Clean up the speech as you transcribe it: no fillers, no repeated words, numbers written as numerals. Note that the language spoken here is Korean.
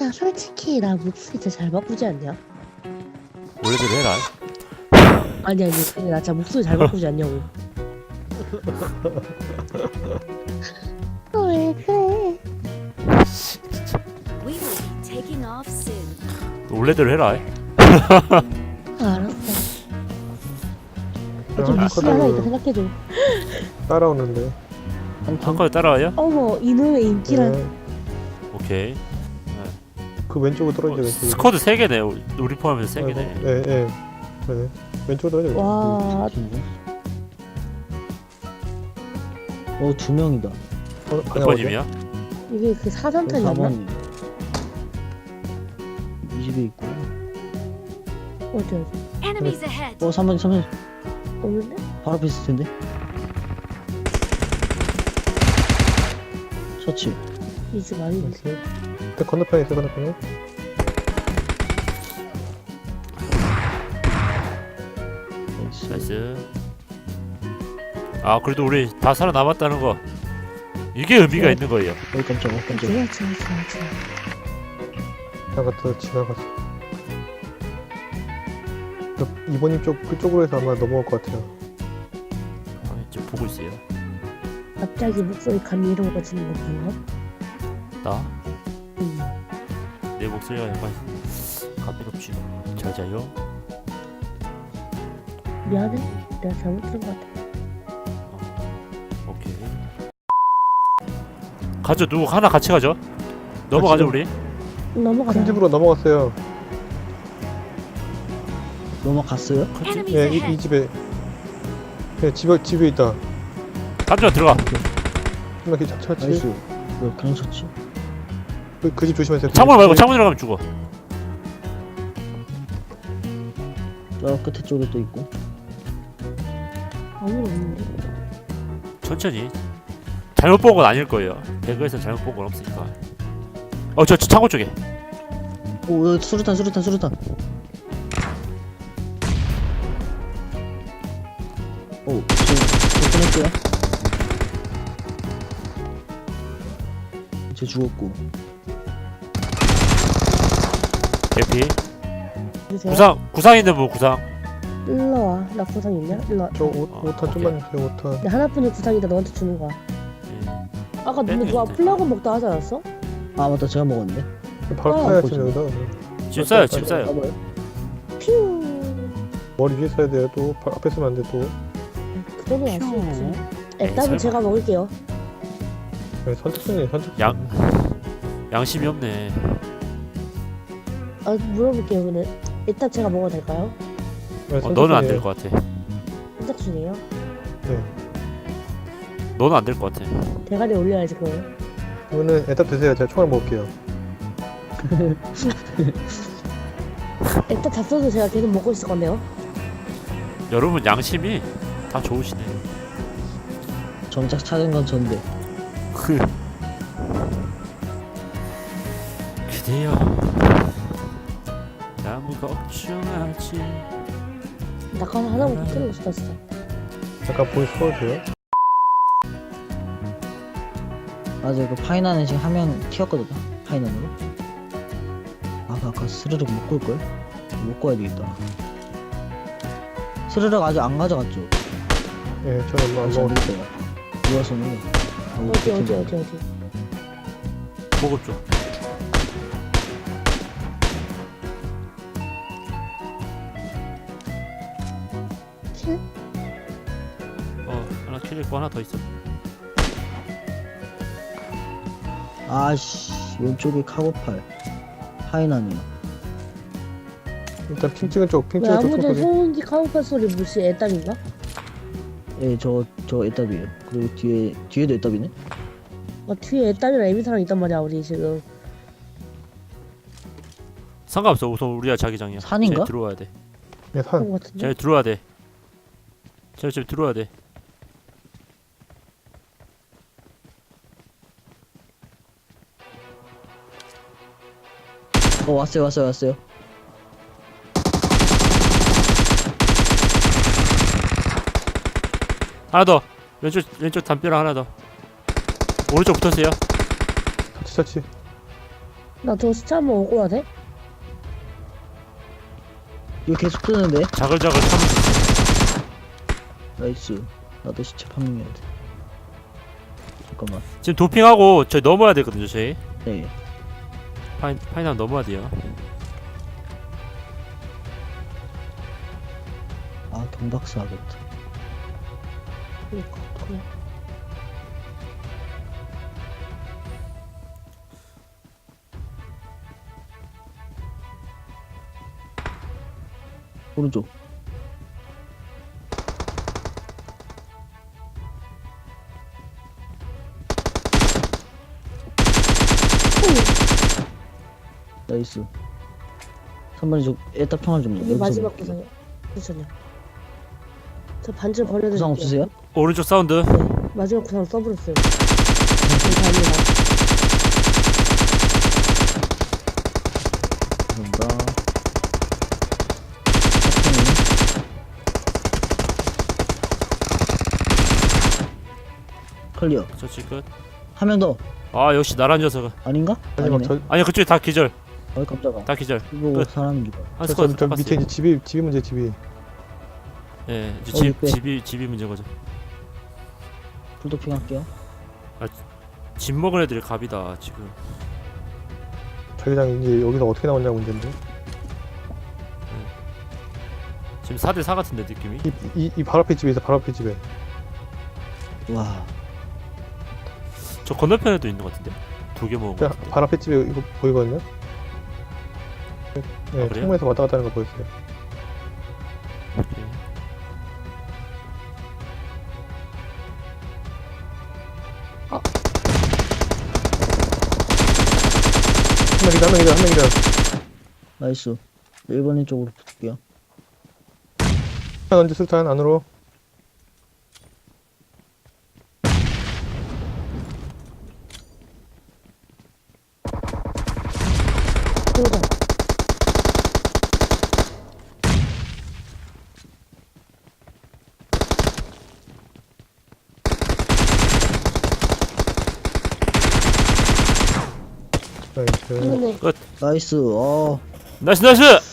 야, 솔직히 나 목소리 진짜 잘 바꾸지 않냐? 원래대로 해라. 아니 근데 나 진짜 목소리 잘 바꾸지 않냐고. 왜 그래? We will be taking off soon. 원래대로 해라. 알았어. 좀 미스 하나 있다 생각해줘. 따라오는데. 한컷 따라와요? 어머, 이놈의 인기란. 네. 오케이. 그 왼쪽으로 떨어져. 왼쪽으로. 스쿼드 3개네. 우리 포함해서 3개네. 예, 예. 그러네. 왼쪽으로 떨어져. 와, 두 명이다. 몇 번임이야? 이게 그 사전탄이었나? 이 집에 있고. 어디? Enemies ahead. 3번 없는데? 바로 앞에 있을 텐데. 셔츠. 이집 아닌데. 그 건너편에 있어, 건너편에. 나이스. 아 그래도 우리 다 살아남았다는 거 이게 의미가 있는 거예요. 여기 깜짝이야. 좋아. 지나갔다, 지나갔어. 이번님 쪽, 그쪽으로 해서 아마 넘어올 것 같아요. 지금 보고 있어요. 갑자기 목소리 감미로워지는 거 봤나? 나? 응. 내 목소리가 약간 감미롭지. 잘 자요. 미안해. 내가 잘못 들은 것 같아. 오케이. 가죠. 누구 하나 같이 가죠. 넘어가죠 우리. 넘어가자. 큰 집으로 넘어갔어요. 넘어갔어요? Enemies 예, ahead. 이 집에. 예, 집에 있다. 간주아 들어가. 이렇게 차치. 나이스. 왜 그냥 셔츠? 그 집 조심하세요. 창문 말고 창문 들어가면 죽어. 저 끝에 쪽에 또 있고. 아무도 없는데. 천천히. 잘못 본 건 아닐 거예요. 배그에서 잘못 본 건 없으니까. 저 창고 쪽에. 오, 여기 수류탄. 오, 지금 끊을게요. 쟤 죽었고. 개피. 주세요. 구상 있는 분 구상. 일로 와. 나 구상 있냐? 일로 와. 저 5탄 좀만 주세요, 5탄. 내 하나뿐인 구상이다. 너한테 주는 거야. 아까 근데 네, 누가 네. 플라그 먹다 하지 않았어? 아, 맞다. 제가 먹었는데. 바로 아, 타야 보지. 지금 여기다. 집 싸요 집 싸요. 까봐요. 퓨. 머리 위에 써야 돼요, 또. 앞에 쓰면 안 돼, 또. 그 정도는 알수 있지. 에이, 일단은 설마. 제가 먹을게요. 네, 선착순이에요, 선착순. 양심이 없네. 아, 물어볼게요. 근데 일단 제가 먹어도 될까요? 네, 너는 안 될 선착순이에요. 것 같아. 선착순이에요. 네. 너는 안 될 것 같아. 대가리 올려야지 그거. 그러면은 애답 드세요. 제가 총알 먹을게요. 일단 잡숴도 제가 계속 먹고 있을 건데요. 여러분 양심이 다 좋으시네. 정작 찾은 건 전데. 그대여 아무 걱정하지. 낙하 하나만 붙들고 싶다 진짜. 잠깐 보이스 꺼주세요. 맞아, 그 파이나는 지금 화면 튀었거든. 파이난으로. 아까 스르륵 못 끌걸? 못 꺼야 되겠다. 스르륵 아직 안 가져갔죠? 예, 저는 안 먹었어요. 먹었어요. 누워서는. 어디. 보급 좀. 킬? 하나 킬 있고 하나 더 있어. 아씨, 왼쪽에 카고팔. 파이난이요. 일단 핑 찍은 쪽, 핑 왜 찍은 쪽 아무도 총소리. 소음기 카우팔 소리 무시 애답인가? 예, 저 애답이에요. 그리고 뒤에도 애답이네? 뒤에 애답이랑 애미사랑 있단 말이야 우리 지금. 상관없어. 우선 우리가 자기장이야. 산인가? 쟤 들어와야 돼. 예, 그런 산. 거 같은데? 쟤 들어와야 돼. 쟤 지금 들어와야 돼. 왔어요. 하나 더. 왼쪽 담벼락 하나 더. 오른쪽 붙었어요. 차치. 나 저 시체 한번 오고 와야 돼? 이거 계속 뜨는데? 자글자글 참. 나이스. 나도 시체 파밍해야 돼. 잠깐만. 지금 도핑하고 저희 넘어야 되거든요. 저희 네. 파이남 넘어야 돼요. 아, 경박사 하겠다. 그니까 어떡해. 오른쪽. 나이스. 3번이 저 애답 평을 좀 이게 여기서 마지막 볼게요. 구상이야. 괜찮냐? 저 반지를 버려드릴게요. 구상 없으세요? 오른쪽 사운드. 네, 마지막 구상 써버렸어요. 감사합니다. 감사합니다. 클리어. 저치 끝. 한 명 더. 아 역시 나란 녀석은. 아닌가? 마지막 아니네. 아니 그쪽에 다 기절. 어이 깜짝아. 다 기절. 이거 끝. 사람인 줄. 한 저, 스쿼드 저 밑에 깎았어요. 이제 집이 문제 집이. 예, 이제 어, 육배. 집이 문제인 거죠. 풀도핑 할게요. 집 먹은 애들이 갑이다 지금. 자기장 이제 여기서 어떻게 나왔냐 문제인데. 지금 4대4 같은데 느낌이. 이 바로 앞에 집에 있어. 바로 앞에 집에. 와. 저 건너편에도 있는 것 같은데. 2개 먹은 거 자, 같은데. 바로 앞에 집에 이거 보이거든요. 네, 그래요? 창문에서 왔다 갔다 하는 거 보였어요. 오케이. 한 명이다. 나이스. 1번인 쪽으로 붙을게요. 술탄 얹어 술탄 안으로. 그러자. 나이스. 이번에 나이스. 나이스 나이스.